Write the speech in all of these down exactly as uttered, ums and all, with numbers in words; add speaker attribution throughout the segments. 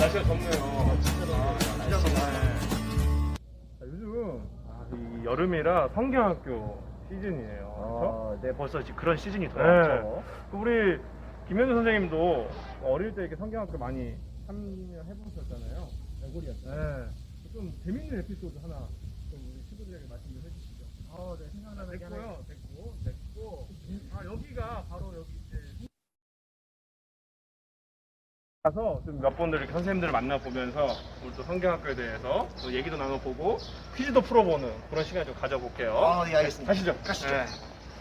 Speaker 1: 날씨가 덥네요.
Speaker 2: 진짜 덥네.
Speaker 1: 요즘 아, 이 여름이라 성경학교 시즌이에요. 그렇죠?
Speaker 2: 아, 네, 벌써 이제 그런 시즌이
Speaker 1: 네.
Speaker 2: 돌아왔죠.
Speaker 1: 그 우리 김현주 선생님도 어릴 때 이렇게 성경학교 많이 참여해 보셨잖아요.
Speaker 2: 애골이었죠.
Speaker 1: 네. 좀 재밌는 에피소드 하나 좀 우리 친구들에게 말씀 좀 해주시죠.
Speaker 2: 아, 네, 생각나는 게 하나
Speaker 1: 됐고요.
Speaker 2: 있어요.
Speaker 1: 됐고, 됐고. 아, 여기가 바로 여기 이제 가서 좀 몇 분들 이렇게 선생님들을 만나보면서 우리 또 성경학교에 대해서 또 얘기도 나눠보고 퀴즈도 풀어보는 그런 시간 좀 가져볼게요.
Speaker 2: 아, 네, 알겠습니다.
Speaker 1: 가시죠.
Speaker 2: 가시죠.
Speaker 1: 네.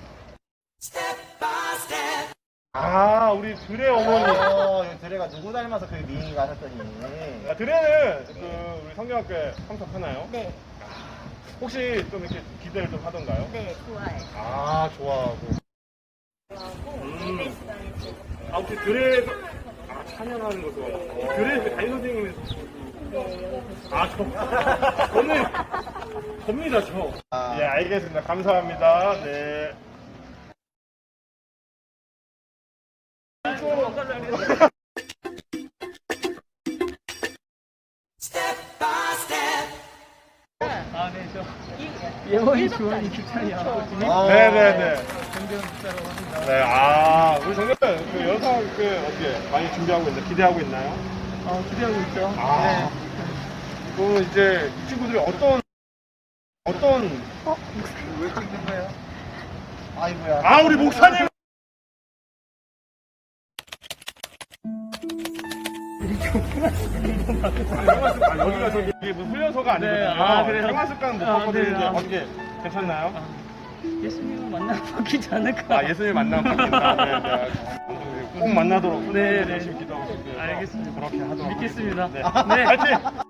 Speaker 1: 아, 우리 드레 어머니.
Speaker 2: 어, 여기 드레가 누구 닮아서 그 미인가 하셨더니.
Speaker 1: 아, 드레는 그 우리 성경학교에 참석하나요?
Speaker 3: 네,
Speaker 1: 혹시 좀 이렇게 기대를 좀 하던가요?
Speaker 3: 네, 좋아요.
Speaker 1: 아, 좋아하고.
Speaker 3: 좋아하고
Speaker 1: 음.
Speaker 3: 예배 시간에 좀
Speaker 1: 아, 혹시 드레에서 아, 찬양하는 거 좋아하고. 드레 그 담임 선생님은
Speaker 3: 네, 여기서
Speaker 1: 아, 저, 저는, 접니다, 저.
Speaker 2: 아.
Speaker 1: 예, 알겠습니다. 감사합니다. 네.
Speaker 4: 아, 네, 저 예원이 주원이 기찬이야.
Speaker 2: 아,
Speaker 1: 네네네.
Speaker 4: 정재원 기자라고 합니다.
Speaker 1: 네, 아, 우리 정말 그 여성 그 어떻게 많이 준비하고 있나, 기대하고 있나요?
Speaker 4: 어, 기대하고 있죠.
Speaker 1: 아,
Speaker 4: 네.
Speaker 1: 그럼 이제 이 친구들이 어떤, 어떤,
Speaker 2: 왜 찍는 거예요? 아이고야.
Speaker 1: 아, 우리 목사님! 아, 여기가 저기 이게 무슨 훈련소가 아니거든요.
Speaker 4: 네, 아, 그래요?
Speaker 1: 생활습관 못
Speaker 4: 아,
Speaker 1: 바꿔드리는데
Speaker 4: 네, 아.
Speaker 1: 어떻게 괜찮나요?
Speaker 4: 아, 예수님을 만나면 바뀌지 않을까?
Speaker 1: 아, 예수님 만나면 바뀐다. 네, 네. 꼭 만나도록
Speaker 4: 네, 네.
Speaker 1: 열심히 기도하고 싶고요.
Speaker 4: 알겠습니다.
Speaker 1: 그렇게 하도록
Speaker 4: 믿겠습니다.
Speaker 1: 하겠습니다. 네.
Speaker 4: 네.
Speaker 1: 파이팅!